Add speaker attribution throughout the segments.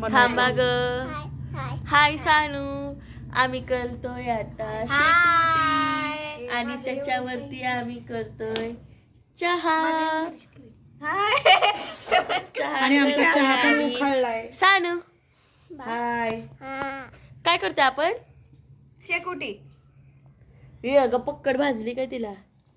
Speaker 1: थांबा ग. हाय सानू, आम्ही करतोय आता शेकोटी आणि त्याच्यावरती आम्ही करतोय चहा.
Speaker 2: आणि आमचा चहा पण उखळलाय.
Speaker 1: सानू
Speaker 2: हाय.
Speaker 1: काय करतोय आपण?
Speaker 3: शेकोटी.
Speaker 1: हे अगं पक्कड भाजली काय तिला?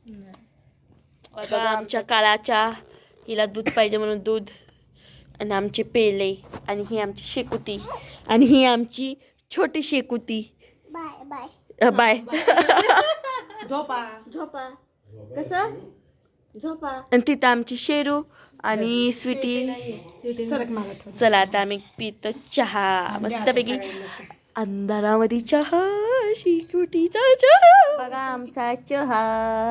Speaker 1: बघा आमच्या काळाच्या हिला दूध पाहिजे म्हणून दूध आणि आमचे पेले आणि ही आमची शेकुती आणि ही आमची छोटी शेकुती. Bye bye.
Speaker 2: झोपा.
Speaker 1: झोपा. कसं? झोपा. आणि तिथं आमची शेरू आणि स्वीटी.
Speaker 2: सरक मला थोडं.
Speaker 1: चला आता आम्ही पितो चहा मस्तपैकी. अंधारामध्ये चहा, शेकोटीचा चहा. बघा आमचा चहा.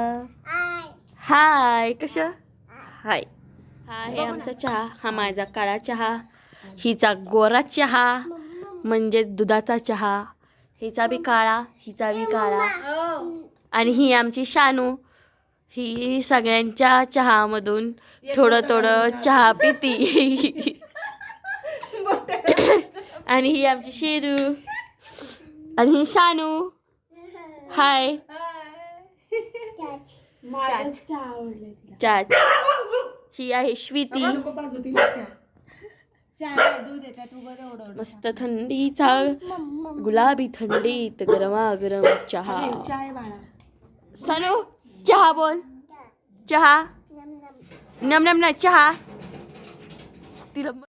Speaker 1: हाय. कसं? हाय. हा आहे आमचा चहा. हा माझा काळा चहा. हिचा गोरा चहा म्हणजे दुधाचा चहा. हिचा बी काळा, हिचा बी काळा. आणि ही आमची शानू. ही सगळ्यांच्या चहामधून थोडं थोडं चहा पिती. आणि ही आमची शेरू आणि ही शानू. हाय. चाच. ही आहे श्वीती. मस्त थंडीचा गुलाबी थंडीत गरमागरम चहा. सनू चहा बोल. चहा. नम नम ना चहा. तिला